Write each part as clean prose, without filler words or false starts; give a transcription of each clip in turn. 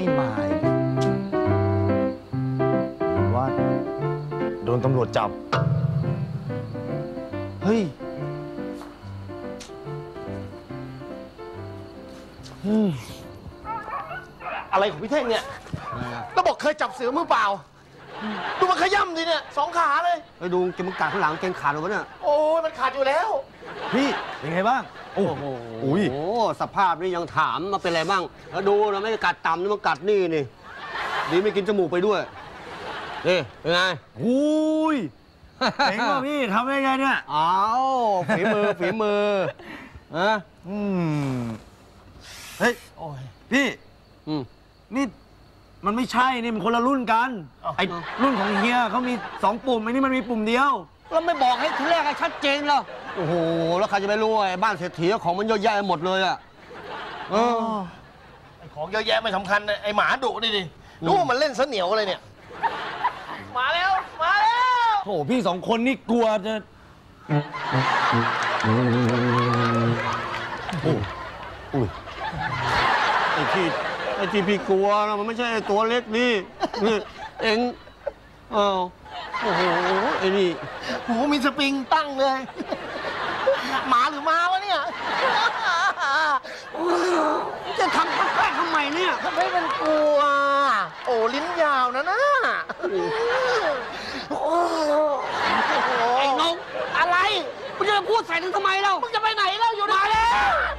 มาว่าโดนตำรวจจับเฮ้ยอะไรของพี่เท่งเนี่ยก็บอกเคยจับเสือมือเปล่าดูมันขย้ำดิเนี่ย2 ขาเลยไปดูเกมกัดข้างหลังเกงขาดหรือวะเนี่ยโอ้ยมันขาดอยู่แล้วพี่เป็นไงบ้างโอ้โหสภาพนี่ยังถามมาเป็นอะไรบ้างแล้วดูนะไม่ได้กัดต่ำนี่มันกัดนี่ดีไม่กินจมูกไปด้วยนี่เป็นไงอุ้ยเจ๋งว่ะพี่ทำได้ไงเนี่ยอ้าวฝีมือเฮ้ยพี่นี่มันไม่ใช่นี่มันคนละรุ่นกันไอ้รุ่นของเฮียเขามี2 ปุ่มไอ้นี่มันมีปุ่มเดียวแล้วไม่บอกให้ทีแรกให้ชัดเจนเหรอโอ้โหแล้วใครจะไปรู้ไอ้บ้านเศรษฐีของมันเยอะแยะหมดเลยอะไอ้ของเยอะแยะไม่สำคัญไอ้หมาดุนี่ดิดูว่ามันเล่นเสนียวอะไรเนี่ยมาแล้วโอ้พี่2 คนนี่กลัวจะไอ้ที่พี่กลัวนะมันไม่ใช่ตัวเล็กนี่เอ็งโอ้โหไอ้นี่โอ้โหมีสปริงตั้งเลยหมาหรือม้าวะเนี่ยจะทำแปลกทำไมเนี่ยทำให้มันกลัวโอ้ลิ้นยาวนะไอ้น้องอะไรมึงจะพูดใส่ถึงทำไมเรามึงจะไปไหนเราอยู่มาแล้ว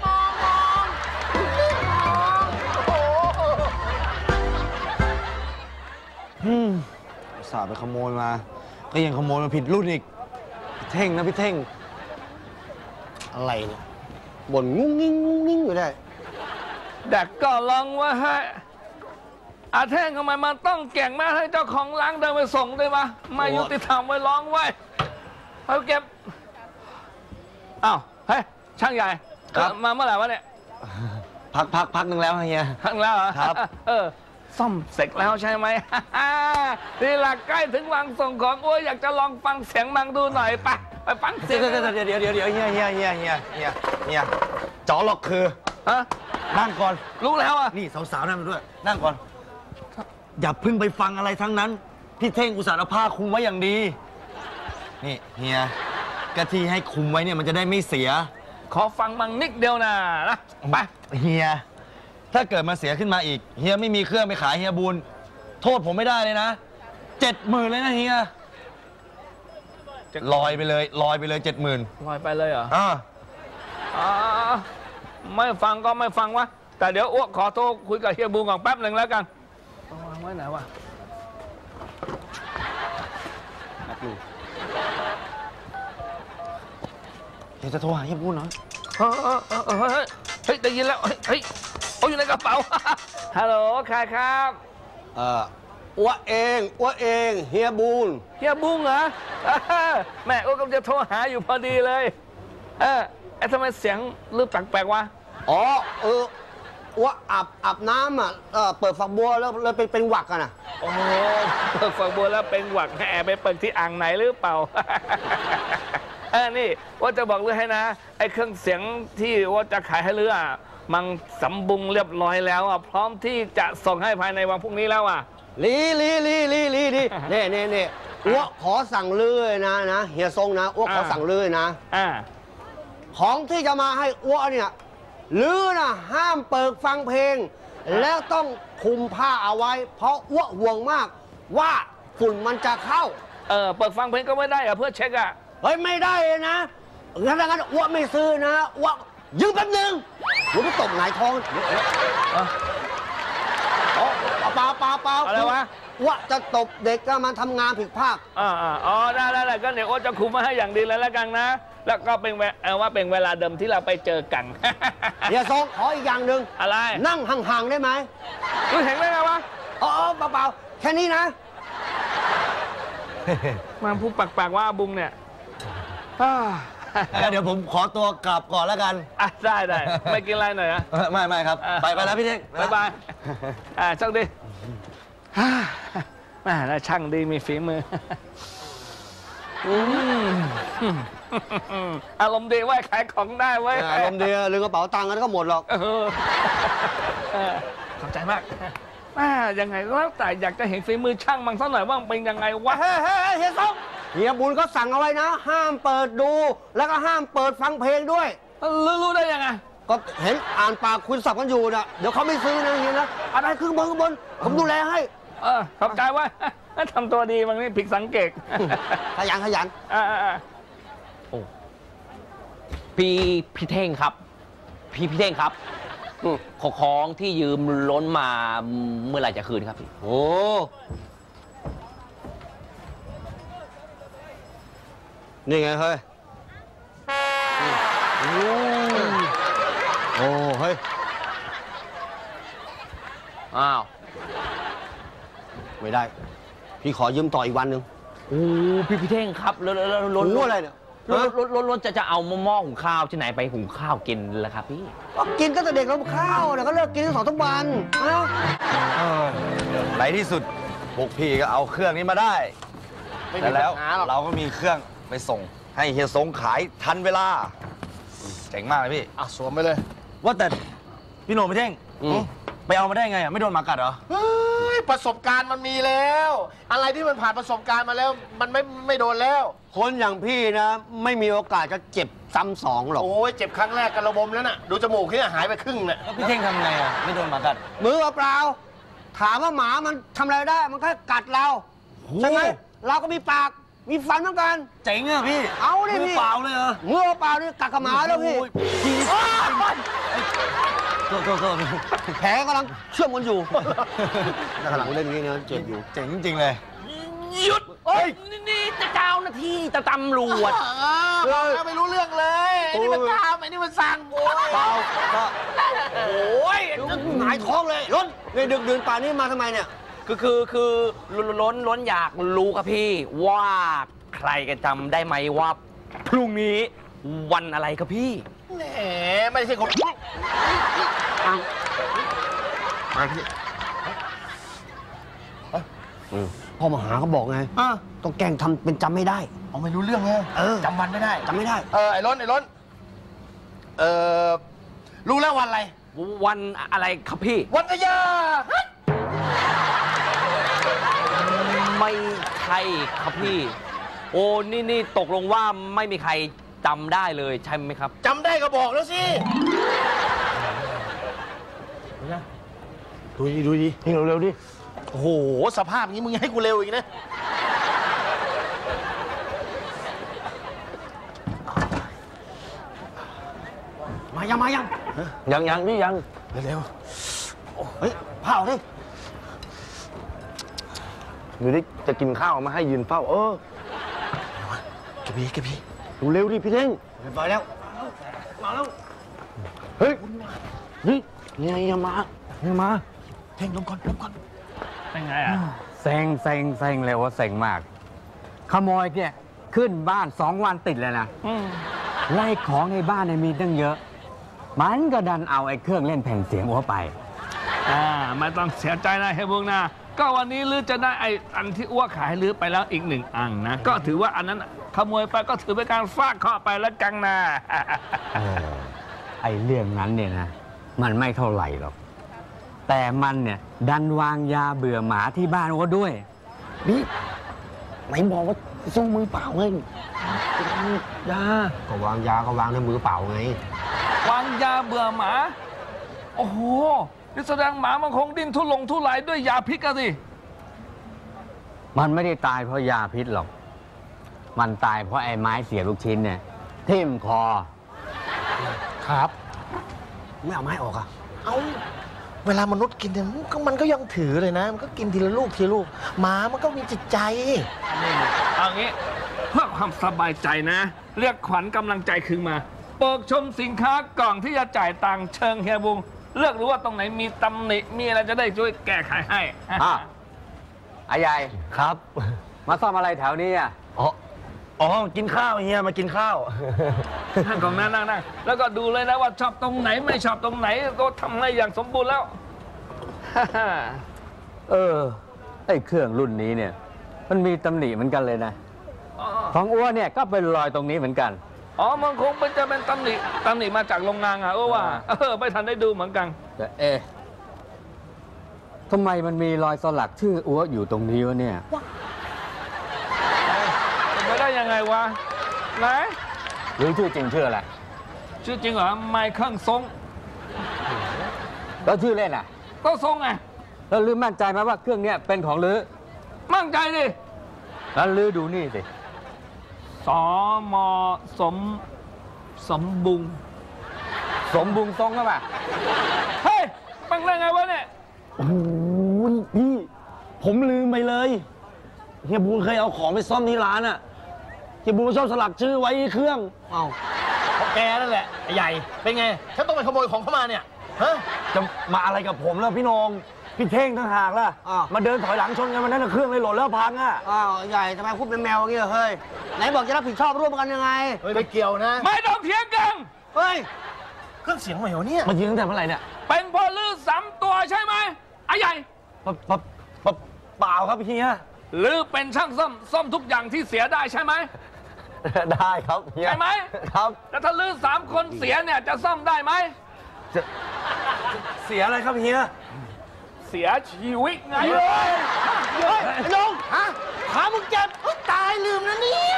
สาไปขโมยมาก็ยังขโมยมาผิดรุ่นอีกพี่เท่งนะพี่เท่งอะไรเนี่ยบ่นงุ้งงิ้งอยู่ได้เด็กก็ลองว่าให้อาเท่งทำไมมันต้องเก่งแม่ให้เจ้าของร้านเดินไปส่งได้ปะไม่ยุติธรรมไว้ร้องไว้เอาเก็บอ้าวเฮ้ยช่างใหญ่มาเมื่อไหร่วะเนี่ยพักหนึ่งแล้วเฮียพักแล้วเหรอครับซ่อมเสร็จแล้วใช่ไหมนี่แหละใกล้ถึงวางส่งของโอ้ยอยากจะลองฟังเสียงมังดูหน่อยไปฟังเสียงเดี๋ยวเฮียจ๋อหลอกคือนั่งก่อนรู้แล้วอ่ะนี่สาวๆนั่งด้วยนั่งก่อนอย่าเพิ่งไปฟังอะไรทั้งนั้นพี่เท่งอุตส่าห์เอาผ้าคลุมไว้อย่างดีนี่เฮียกะทิให้คลุมไว้เนี่ยมันจะได้ไม่เสียขอฟังมังนิดเดียวนะไปเฮียถ้าเกิดมาเสียขึ้นมาอีกเฮียไม่มีเครื่องไปขายเฮียบุญโทษผมไม่ได้เลยนะ70,000เลยนะเฮียลอยไปเลย70,000ลอยไปเลยเหรอไม่ฟังก็ไม่ฟังวะแต่เดี๋ยวอ้วกขอโทรคุยกับเฮียบุญก่อนแป๊บหนึ่งแล้วกันวางไว้ไหนวะเดี๋ยวจะโทรหาเฮียบุญเหรอเฮ้ยได้ยินแล้วเฮ้ยเอาอยู่ในกระเป๋าฮัลโหลใครครับอ้วเองเฮียบุญเหรอแม่อ้วกำลังจะโทรหาอยู่พอดีเลยไอ้ทำไมเสียงลืมแปลกๆวะอ๋ออ้วอาบน้ำอ่ะเปิดฝักบัวแล้วเลยเป็นหวักกันอ่ะโอ้เปิดฝักบัวแล้วเป็นหวักแอบไปเปิดที่อ่างไหนหรือเปล่านี่ว่าจะบอกเรื่องให้นะไอ้เครื่องเสียงที่ว่าจะขายให้เรือมันสมบูรณ์เรียบร้อยแล้วพร้อมที่จะส่งให้ภายในวันพรุ่งนี้แล้วลีนี่อ้วขอสั่งเลื่อยนะเฮียทรงนะอ้วขอสั่งเลื่อยนะของที่จะมาให้อ้วเนี่ยลือนะห้ามเปิดฟังเพลงแล้วต้องคุมผ้าเอาไว้เพราะอ้วห่วงมากว่าฝุ่นมันจะเข้าเปิดฟังเพลงก็ไม่ได้เพื่อเช็คเฮ้ยไม่ได้นะงั้นอ้วไม่ซื้อนะอ้วยืมแป๊บนึงผมจะตบหงายท้องเปล่าอะไรวะอ้วจะตบเด็กก็มันทำงานผิดพลาดได้ก็เดี๋ยวอ้วจะคุมมาให้อย่างดีแล้วกันนะแล้วก็เป็นว่าเป็นเวลาเดิมที่เราไปเจอกันอย่าทรงขออีกอย่างหนึ่งอะไรนั่งห่างๆได้ไหมคุณเห็นได้ไงวะเปล่าแค่นี้นะมาพูดปากว่าบุ้งเนี่ยเดี๋ยวผมขอตัวกลับก่อนแล้วกันได้ไม่กินอะไรหน่อยนะไม่ครับไปแล้วพี่เท่งบ๊ายบายโชคดีแม่น่าช่างดีมีฝีมืออารมณ์ดีไว้ขายของได้ไว้อารมณ์ดีลืมกระเป๋าตังค์แล้วก็หมดหรอกขอบใจมากยังไงก็แล้วแต่อยากจะเห็นฝีมือช่างมันสักหน่อยว่ามันเป็นยังไงวะเฮ้ยเฮียส้มเฮียบุญก็สั่งเอาไว้นะ ห้ามเปิดดู แล้วก็ห้ามเปิดฟังเพลงด้วยรู้ได้ยังไงก็เห็นอ่านปากคุณสับกันอยู่นะเดี๋ยวเขาไม่ซื้อนะเฮียนะอะไรขึ้นบนผมดูแลให้ขอบใจว่าทำตัวดีมันนี่ผิดสังเกตขยันพี่เท่งครับ พี่เท่งครับของที่ยืมล้นมาเมื่อไหร่จะคืนครับพี่โอ้นี่ไงเฮ้ยโอ้เฮ้ยอ้าวไม่ได้ พี่ขอยืมต่ออีกวันหนึ่งโอ้พี่เท่งครับแล้วล้นรู้อะไรเนี่ยล้นจะเอาหม้อหุงข้าวที่ไหนไปหุงข้าวกินล่ะครับพี่ก็กินตั้งแต่เด็กแล้วข้าวเนี่ยก็เลิกกินทั้ง2 ทุกวันนะในที่สุดพวกพี่ก็เอาเครื่องนี้มาได้ไม่มีแต่แล้วปัญหาหรอกเราก็มีเครื่องไปส่งให้เฮียสงขายทันเวลา เจ๋งมากเลยพี่สวมไปเลยว่าแต่พี่โหน่งพี่เท่งไปเอามาได้ไงอ่ะไม่โดนหมากัดเหรอเฮ้ยประสบการณ์มันมีแล้ว อะไรที่มันผ่านประสบการณ์มาแล้วมันไม่โดนแล้วคนอย่างพี่นะ ไม่มีโอกาสจะเจ็บซ้ำสองหรอกโอ้ยเจ็บครั้งแรกกันระบมแล้วน่ะดูจมูกที่หายไปครึ่งน่ะแล้วพี่เท่งทำไงอ่ะไม่โดนหมากัดมือเปล่าถามว่าหมามันทำอะไรได้มันแค่กัดเราใช่ไหมเราก็มีปากมีฟันเหมือนกันเจ๋งอ่ะพี่เอาดิมืพี่เปล่าเลยเหรอมือเปล่านี่กัดกับหมาแล้วพี่โทษแผลกำลังเชื่อมกันอยู่กำลังเล่นอย่างนี้นะเจ็บอยู่เจ๋งจริงๆเลยหยุดนี่จะเจ้าหน้าที่จะตำรวจเราไม่รู้เรื่องเลยไอ้นี่มันตามไอ้นี่มันสั่งโอ้ยเปล่าก็โอ้ยหงายท้องเลยล้นเลยดึกดื่นป่านนี้มาทำไมเนี่ยคือล้นอยากรู้ครับพี่ว่าใครกันจำได้ไหมว่าพรุ่งนี้วันอะไรครับพี่แหมไม่ใช่คนมาพี่พ่อมาหาเขาบอกไงต้องแกล้งทำเป็นจำไม่ได้เอาไม่รู้เรื่องไงจำวันไม่ได้จำไม่ได้ไอ้ล้นรู้แล้ววันอะไรวันอะไรครับพี่วันกะยาไม่ใช่ครับพี่ โอ้นี่ตกลงว่าไม่มีใครจำได้เลยใช่ไหมครับจำได้ก็บอกแล้วสิดูดินี่เร็วๆดิโอ้โหสภาพนี้มึงให้กูเร็วอีกนะมายังยังพี่ยังเร็วเฮ้ยเผาดิอยู่ดิจะกินข้าวมาให้ยืนเฝ้ากระบี่ดูเร็วดิพี่เท่งเรียบร้อยแล้วมาแล้วเฮ้ยนี่ยังมาเท่งลงก่อนเป็นไงอ่ะเซ็งเลยว่าเซ็งมาก ขโมยเนี่ยขึ้นบ้าน 2 วันติดเลยนะไล่ของในบ้านเนี่ยมีตั้งเยอะ มันก็ดันเอาไอ้เครื่องเล่นแผ่นเสียงอัวไปไม่ต้องเสียใจนะเฮยบุงนะก็วันนี้ลือจะได้ไอ้อันที่อ้วกขายลือไปแล้วอีก1 อันนะก็ถือว่าอันนั้นขโมยไปก็ถือเป็นการฟาดเคราะห์ไปแล้วกันนะไอ้เรื่องนั้นเนี่ยนะ มันไม่เท่าไหร่หรอก แต่มันเนี่ยดันวางยาเบื่อหมาที่บ้านอัวด้วยนี่ไหนบอกว่าสู้มือเปล่าไงยาก็วางยาก็วางในมือเปล่าไงวางยาเบื่อหมา โอ้โหนี่แสดงหมามันคงดิ้นทุรายด้วยยาพิษกันสิมันไม่ได้ตายเพราะยาพิษหรอก มันตายเพราะไอ้ไม้เสียบลูกชิ้นเนี่ยทิ่มคอครับไม่เอาไม้ออกอ่ะเอาเวลามนุษย์กินเนี่ยมันก็ยังถือเลยนะ มันก็กินทีละลูกหมามันก็มีจิตใจเอางี้เพื่อความสบายใจนะ เรียกขวัญกำลังใจคืนมาเปิดชมสินค้ากล่องที่จะจ่ายตังค์เชิงเฮียบุงเลือกรู้ว่าตรงไหนมีตำหนิมีอะไรจะได้ช่วยแก้ไขให้ไอ้ใหญ่ครับมาซ่อมอะไรแถวนี้อ่ะกินข้าวเฮียมากินข้าวนั่งของนั่งแล้วก็ดูเลยนะว่าชอบตรงไหนไม่ชอบตรงไหนก็ทำให้อย่างสมบูรณ์แล้วไอ้เครื่องรุ่นนี้เนี่ย มันมีตำหนิเหมือนกันเลยนะ ของอ้วนเนี่ยก็เป็นรอยตรงนี้เหมือนกันมันคงจะเป็นตำหนิมาจากโรงงานอ่ะว่าไม่ทันได้ดูเหมือนกันแต่ทำไมมันมีรอยสลักชื่ออัวอยู่ตรงนี้วะเนี่ยเป็นไปได้ยังไงวะไหนหรือชื่อจริงชื่ออะไรชื่อจริงเหรอไมเคิลซงแล้วชื่อเล่นอ่ะก็ซงไงแล้วลือมั่นใจไหมว่าเครื่องเนี้ยเป็นของลือมั่นใจดิแล้วลือดูนี่สิสมสมบุงสมบุงทรงหรือเปล่าเฮ้ยมันได้ไงวะเนี่ยโอ้โหพี่ ผมลืมไปเลยเฮียบูนเคยเอาของไปซ่อมที่ร้านอะเฮียบูนชอบสลักชื่อไว้ที่เครื่องเอ้าเพราะแกนั่นแหละไอ้ใหญ่ เป็นไง ฉันต้องไปขโมยของเข้ามาเนี่ย ฮะจะมาอะไรกับผมล่ะพี่นงพี่เท่งต่างหากล่ะอ้าวมาเดินถอยหลังชนกันมันนั่นนะเครื่องเลยหล่นแล้วพังอะอ้าวใหญ่ทำไมพูดเป็นแมวอย่างเงี้ยเฮ้ย ไหนบอกจะรับผิดชอบร่วมกันยังไงเฮ้ยไม่เกี่ยวนะไม่ต้องเถียงกันเฮ้ยเครื่องเสียงใหม่เหรอเนี่ยมายิงตั้งแต่เมื่อไหร่เนี่ยเป็นพอลือ3 ตัวใช่ไหมไอ้ใหญ่เปล่าครับเฮียหรือเป็นช่างซ่อมทุกอย่างที่เสียได้ใช่ไหมได้ครับเฮียใช่ไหมครับแล้วถ้าลือ3 คนเสียเนี่ยจะซ่อมได้ไหมเสียอะไรครับเฮียเสียชีวิตไงเฮ้ยไอ้น้องฮะขามึงเจ็บตายลืมนะเนี่ย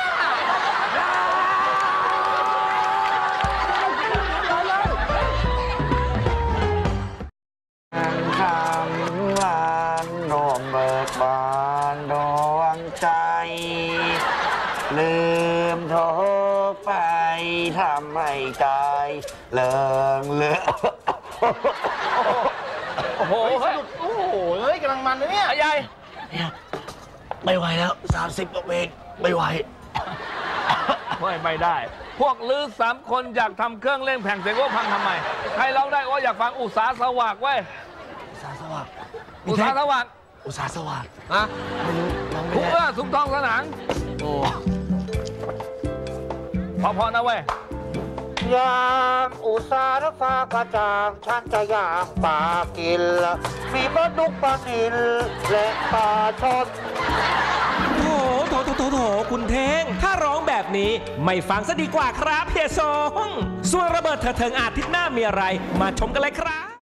คำลานโนมเบิกบานดวงใจ ลืมโทษไปทำให้ใจเลิงเลือโอ้โหเฮ้ยโอ้โหเฮ้ยกำลังมันนะเนี่ยไอ้ใหญ่ไม่ไหวแล้ว 30กว่าเมตรไม่ไหวไม่ได้ พวกลือ3 คนอยากทำเครื่องเล่นแผ่นเสียงว่าพังทำไม ใครร้องได้ว่าอยากฟังอุตสาสว่างเว้ยอุตสาสวัสดิ์อุตสาสว่างอุตสาสวัสดิ์ฮะทุกเมื่อสุกทองสนานโอ้พอๆนะเว้ยยามอุตสาหฟ้ากระจ่างฉันจะย่างปลากิน มีปลาดุกปลานิลและปลาชอนโถคุณเท้งถ้าร้องแบบนี้ไม่ฟังซะดีกว่าครับเฮียสงส่วนระเบิดเถิดเทิงอาทิตย์หน้ามีอะไร มาชมกันเลยครับ